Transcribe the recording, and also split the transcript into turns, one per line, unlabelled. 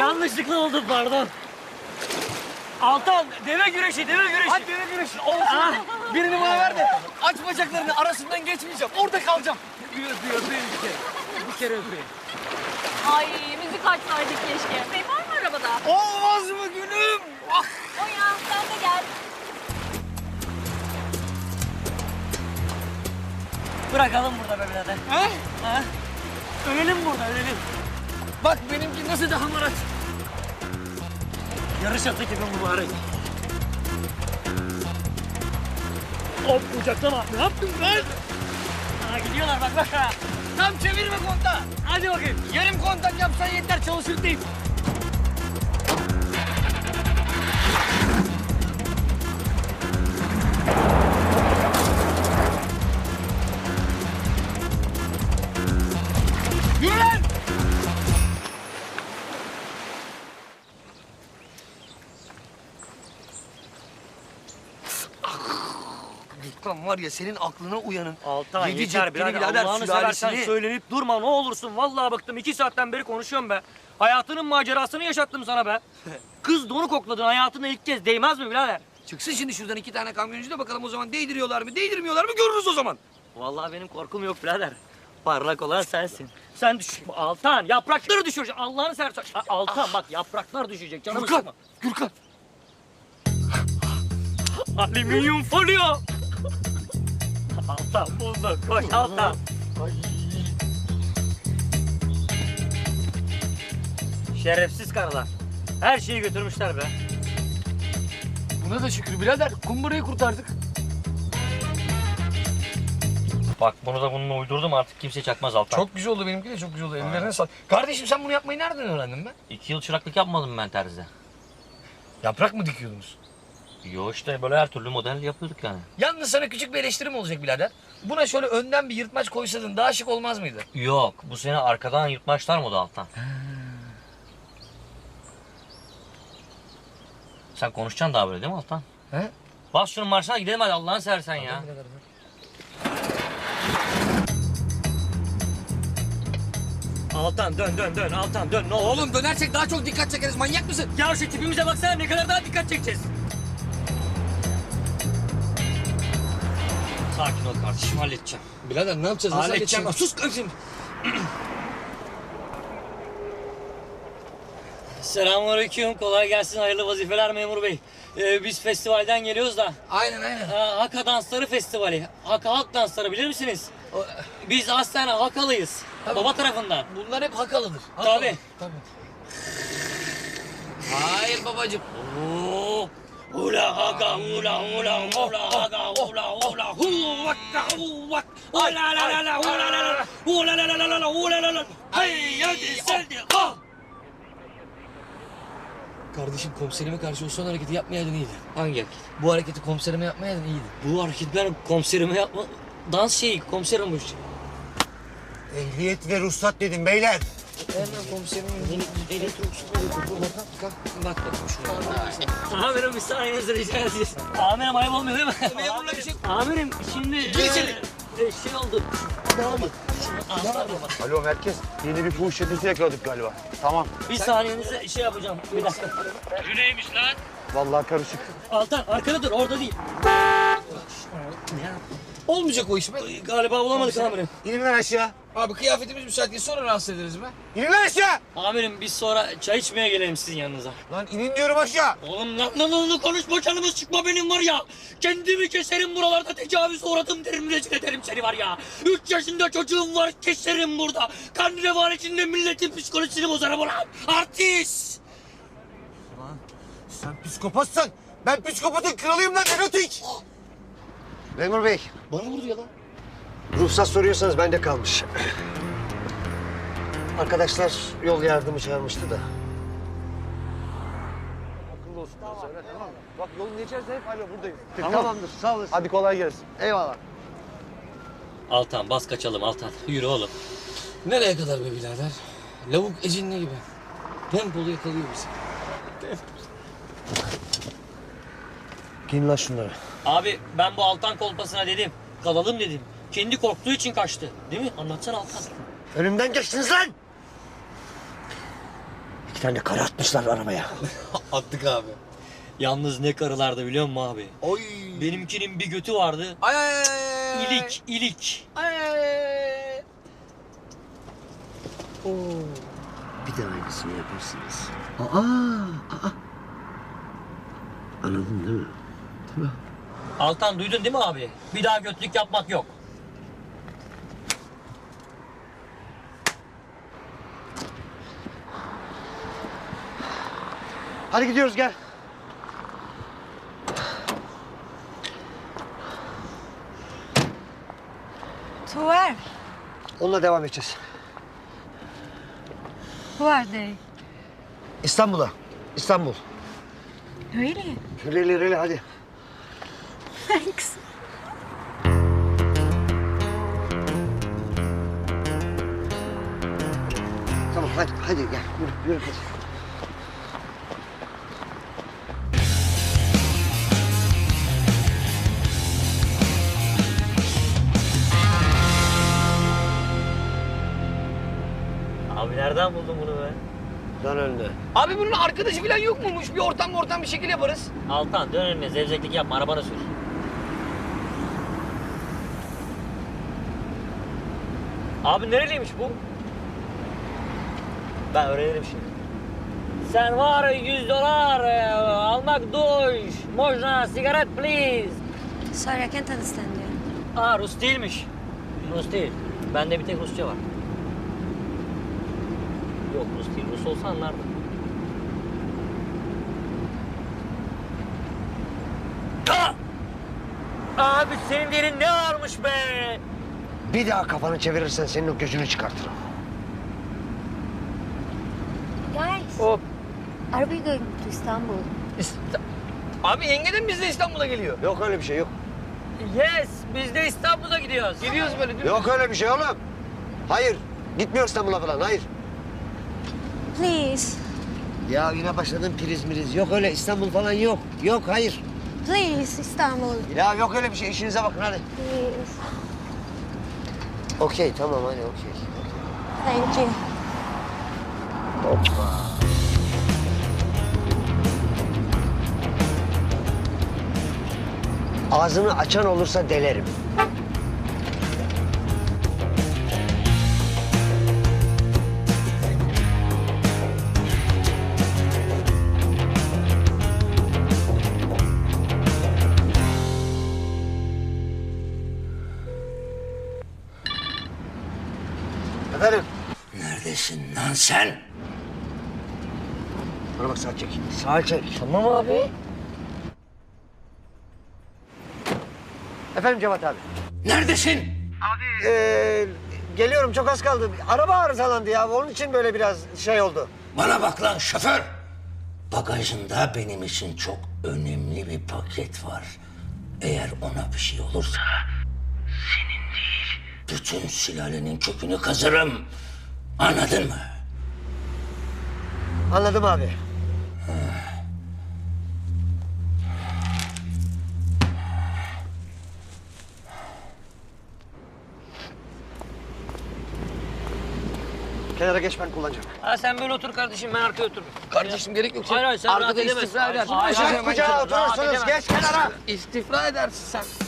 Yanlışlıkla oldu, pardon. Altan, deve güreşi, deve güreşi.
Hadi deve güreşi. Olsun. Birini bana ver de aç bacaklarını, arasından geçmeyeceğim. Orada kalacağım.
Öpeyim bir kere. Bir kere öpeyim.
Ay müzik açsaydık keşke. Bey var mı arabada?
Olmaz mı gülüm? Ah.
O ya sen de gel.
Bırakalım burada be birader.
Ha?
Ha? Ölelim burada, ölelim.
Bak benimki nasıl da hamarat.
Yarış atı gibi mübarek. Hop, uçaklama. Ne yaptın lan? Ha, gidiyorlar bak ha.
Tam çevirme kontağı.
Hadi bakayım.
Yarım kontak yapsan yeter, çalışır değil. Yürü lan! Lan var ya, senin aklına uyanın.
Altan
Yedi
yeter
cepli
birader.
birader,
Allah'ını seversen
sülalesini.
söylenip durma ne olursun. Vallahi bıktım. 2 saatten beri konuşuyorum be. Hayatının macerasını yaşattım sana be. Kız donu kokladın hayatında ilk kez. Değmez mi birader?
Çıksın şimdi şuradan 2 tane kamyoncu da bakalım o zaman değdiriyorlar mı, değdirmiyorlar mı görürüz o zaman.
Vallahi benim korkum yok birader. Parlak olan sensin. Sen düş. Altan yaprakları düşürecek. Allah'ını seversen. Altan bak yapraklar düşecek. Canımı
Gürkan,
sıkma.
Gürkan.
Alüminyum folyo. Altan bulduk. Koş Altan. Şerefsiz karılar. Her şeyi götürmüşler be.
Buna da şükür birader, kumbarayı kurtardık.
Bak bunu da bununla uydurdum artık kimse çakmaz Altan.
Çok güzel oldu, benimki de çok güzel oldu. Ellerine sağlık. Kardeşim sen bunu yapmayı nereden öğrendin be?
2 yıl çıraklık yapmadım ben terzide.
Yaprak mı dikiyordunuz?
Yo işte böyle her türlü model yapıyorduk yani.
Yalnız sana küçük bir eleştirim olacak birader. Buna şöyle önden bir yırtmaç koysaydın daha şık olmaz mıydı?
Yok bu sene arkadan yırtmaçlar moda Altan. Sen konuşacaksın daha böyle değil mi Altan?
He?
Bas şunun marşına gidelim hadi Allah'ını seversen ya. Altan dön Altan dön ne olur.
Oğlum dönersek daha çok dikkat çekeriz, manyak mısın?
Ya şu tipimize baksana ne kadar daha dikkat çekeceğiz. Sakin ol kardeşim halledeceğim.
Birader ne yapacağız? Nasıl
Halledeceğim.
halledeceğiz? Sus kardeşim.
Selamünaleyküm kolay gelsin hayırlı vazifeler memur bey. Biz festivalden geliyoruz da.
Aynen.
Haka Dansları Festivali. Haka Halk Dansları bilir misiniz? Biz aslen Hakalıyız.
Tabii.
Baba tarafından.
Bunlar hep hakalıdır.
Tabii.
Hayır babacığım.
Oo. Ula haka ula haka ula hu vakka hu vak. Ula la la la ula la la ula la la la ula la la. Hey hadi sen de ha.
Kardeşim komiserime karşı o son hareketi yapmayaydın iyiydi.
Hangi hareket?
Bu hareketi komiserime yapmayaydın iyiydi.
Bu hareketler komiserime yapma. Dans şeyi komiserim bu.
Ehliyet ve ruhsat dedim beyler.
Hemen komiserimin
Bak amirim bir saniyenizi rica edeceğiz. Amirim ayıp olmuyor değil mi?
Memurla bir şey...
Amirim şimdi şey oldu.
Alo merkez. Yeni bir fuhuş çetesi yakaladık galiba. Tamam.
Bir saniyenize şey yapacağım. Bir dakika. Bu neymiş lan?
Vallahi karışık.
Altan arkada dur orada değil.
Olmayacak o iş be.
Galiba bulamadık amirim.
İnin lan aşağı.
Abi kıyafetimiz müsait değil, sonra rahatsız ederiz be.
İnin lan aşağı.
Amirim biz sonra çay içmeye gelelim sizin yanınıza.
Lan inin diyorum aşağı.
Oğlum lan konuşma canımız çıkma benim var ya. Kendimi keserim buralarda tecavüz uğradım derim rezil ederim seni var ya. 3 yaşında çocuğum var keserim burada. Kan revan içinde milletin psikolojisini bozarım ulan. Artist.
Lan sen psikopatsan ben psikopatın kralıyım lan erotik. Memur bey.
Bana vurdu ya lan.
Ruhsat soruyorsanız bende kalmış. Arkadaşlar yol yardımı çağırmıştı da. Akıllı olsun. Tamam. Tamam mı? Bak yolun geçerse hep alo buradayım. Tamamdır sağ olasın. Hadi kolay gelsin. Eyvallah.
Altan bas kaçalım Altan. Yürü oğlum.
Nereye kadar be birader? Lavuk ecinli gibi. Tempolu yakalıyor bizi.
Giyin lan şunları.
Abi ben bu Altan kolpasına dedim. Kalalım dedim. Kendi korktuğu için kaçtı. Değil mi? Anlatsana Altan.
Önümden geçtiniz lan.
tane karı atmışlar arabaya.
Attık abi. Yalnız ne karılardı biliyor musun abi?
Oy.
Benimkinin bir götü vardı.
Ay ay ay.
İlik, ilik.
Ay ay ay.
Bir de aynısını yaparsınız. Aa. Anladın değil mi?
Altan duydun değil mi abi? Bir daha götlük yapmak yok.
Hadi gidiyoruz gel.
To where?
Onunla devam edeceğiz.
Who are they?
İstanbul'a. İstanbul.
Really?
Reli hadi.
Thanks.
Tamam hadi gel. Yürü hadi.
Abi nereden buldun bunu be?
Dön önüne.
Abi bunun arkadaşı falan yok muymuş? Bir ortam bir şekil yaparız.
Altan dön önüne, zevzeklik yapma, arabana sür. Abi nereliymiş bu? Ben öğrenirim şimdi. Sen var $100 almak duş. Можно sigaret please.
Sorry, I can't understand you.
Aa Rus değilmiş. Rus değil. Bende bir tek Rusça var. Yok Rus değil. Rus olsa anlardım. Aa! Abi senin derin ne varmış be?
Bir daha kafanı çevirirsen senin o gözünü çıkartırım.
Guys,
Hop.
are we going to Istanbul?
Abi yenge de mi bizle İstanbul'a geliyor?
Yok öyle bir şey yok.
Yes, biz de İstanbul'a gidiyoruz.
Gidiyoruz böyle değil mi?
Yok öyle bir şey oğlum. Hayır. Gitmiyor İstanbul'a falan hayır.
Please,
Ya yine başladın priz miriz. Yok öyle İstanbul falan yok. Yok hayır.
please, Istanbul.
Ya yok öyle bir şey. İşinize bakın hadi.
Please.
Okey tamam hadi okey.
Thank you.
Ağzını açan olursa delerim. Efendim?
Neredesin lan sen?
Bana bak sağa çek. Sağa çek.
Tamam abi.
Efendim Cevat abi.
Neredesin?
Geliyorum çok az kaldı. Araba arızalandı ya. Onun için böyle biraz şey oldu.
Bana bak lan şoför. Bagajında benim için çok önemli bir paket var. Eğer ona bir şey olursa senin değil, bütün sülalenin kökünü kazırım. Anladın mı?
Anladım abi. Kenara geç ben kullanacağım.
Ha sen böyle otur kardeşim, ben arkaya otururum.
Kardeşim gerek yok.
Hayır, hayır, sen rahat
Arkada
edemezsin.
istifra edersin.
Hayır, hayır,
Kucağa oturursunuz. Geç kenara.
İstifra edersin sen.